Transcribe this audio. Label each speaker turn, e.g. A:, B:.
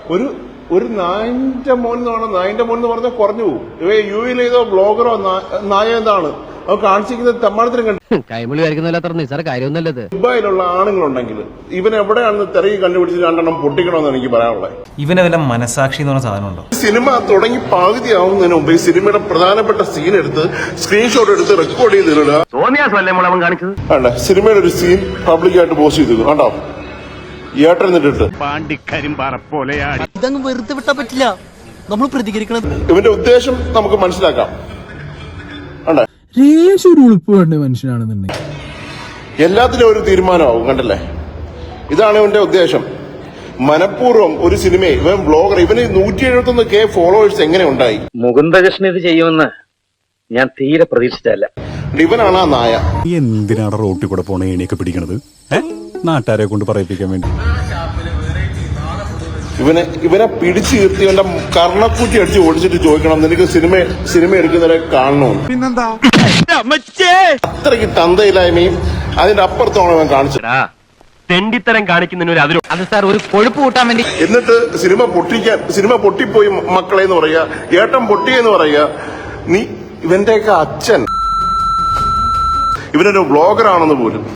A: ഒരു നായിന്റെ മോൻ എന്ന് പറഞ്ഞാൽ കുറഞ്ഞു പോകും. യുഎയിൽ ഏതോ ബ്ലോഗറോ നായ എന്താണ് അത് കാണിച്ചിരിക്കുന്നത് തെമ്മാടത്തിനും കണ്ടു.
B: കൈമളി വരയ്ക്കുന്നല്ലോ സാർ കാര്യമൊന്നുമല്ലത്.
A: ദുബായിലുള്ള ആണുങ്ങളുണ്ടെങ്കിൽ ഇവൻ എവിടെയാണെന്ന് തിരക്കി കണ്ടുപിടിച്ച് രണ്ടെണ്ണം പൊട്ടിക്കണമെന്ന് എനിക്ക് പറയാനുള്ളത്.
C: ഇവനെ വല്ല മനസാക്ഷി എന്ന് പറഞ്ഞ സാധനം ഉണ്ടോ?
A: സിനിമ തുടങ്ങി പകുതിയാവുന്നതിന് മുമ്പ് ഈ സിനിമയുടെ പ്രധാനപ്പെട്ട സീൻ എടുത്ത് സ്ക്രീൻഷോട്ട് എടുത്ത് റെക്കോർഡ് ചെയ്തിടുക. അല്ല, സിനിമയുടെ ഒരു സീൻ പബ്ലിക്കായിട്ട് പോസ്റ്റ് ചെയ്തിരുന്നു കണ്ടോ, ഏട്ടൻ എന്നിട്ടിട്ട്
D: ഇതങ്ങ് വെറുതെ വിട്ടാ പറ്റില്ല, നമ്മൾ പ്രതികരിക്കണം.
A: ഇവന്റെ ഉദ്ദേശം നമുക്ക് മനസ്സിലാക്കാം.
E: ഒരു ഉളുപ്പ് വേണ്ട മനുഷ്യനാണെന്നുണ്ടെങ്കിൽ
A: എല്ലാത്തിലും ഒരു തീരുമാനമാവും. കണ്ടല്ലേ, ഇതാണ് ഇവന്റെ ഉദ്ദേശം. മനഃപൂർവ്വം ഒരു സിനിമയെ ഇവൻ ബ്ലോഗർ, ഇവന് 171K ഫോളോവേഴ്സ് എങ്ങനെ ഉണ്ടായി?
F: മുകുന്ദകൃഷ്ണൻ ഇത് ചെയ്യുമെന്ന് ഞാൻ തീരെ പ്രതീക്ഷിച്ചല്ല.
A: ഇവനാണ് ആ നായ.
G: എന്തിനാണ് റോട്ടിൽ കൂടെ പോണ ഏണിയൊക്കെ പിടിക്കണത്? നാട്ടുകാരെ കൊണ്ട് പറയിപ്പിക്കാൻ വേണ്ടി.
A: ഇവനെ പിടിച്ചു നിർത്തി ഇവന്റെ കർണക്കുറ്റി അടിച്ച് ഓടിച്ചിട്ട് ചോദിക്കണം, നിനക്ക് സിനിമ എടുക്കുന്നവരെ കാണണമെന്ന്.
G: പിന്നെന്താ,
A: അത്രയ്ക്ക് തന്തയില്ലായ്മയും അതിന്റെ അപ്പുറത്താണ് അവൻ കാണിച്ചത്.
F: തെണ്ടിത്തരം കാണിക്കുന്നതിന്
B: അത് സാർ ഒരു കൊഴുപ്പ് കൂട്ടാൻ വേണ്ടി.
A: എന്നിട്ട് സിനിമ പൊട്ടിപ്പോയി മക്കളെ എന്ന് പറയുക, ഏട്ടൻ പൊട്ടിയെന്ന് പറയുക. നീ ഇവന്റെയൊക്കെ അച്ഛൻ ഇവനൊരു ബ്ലോഗറാണെന്ന് പോലും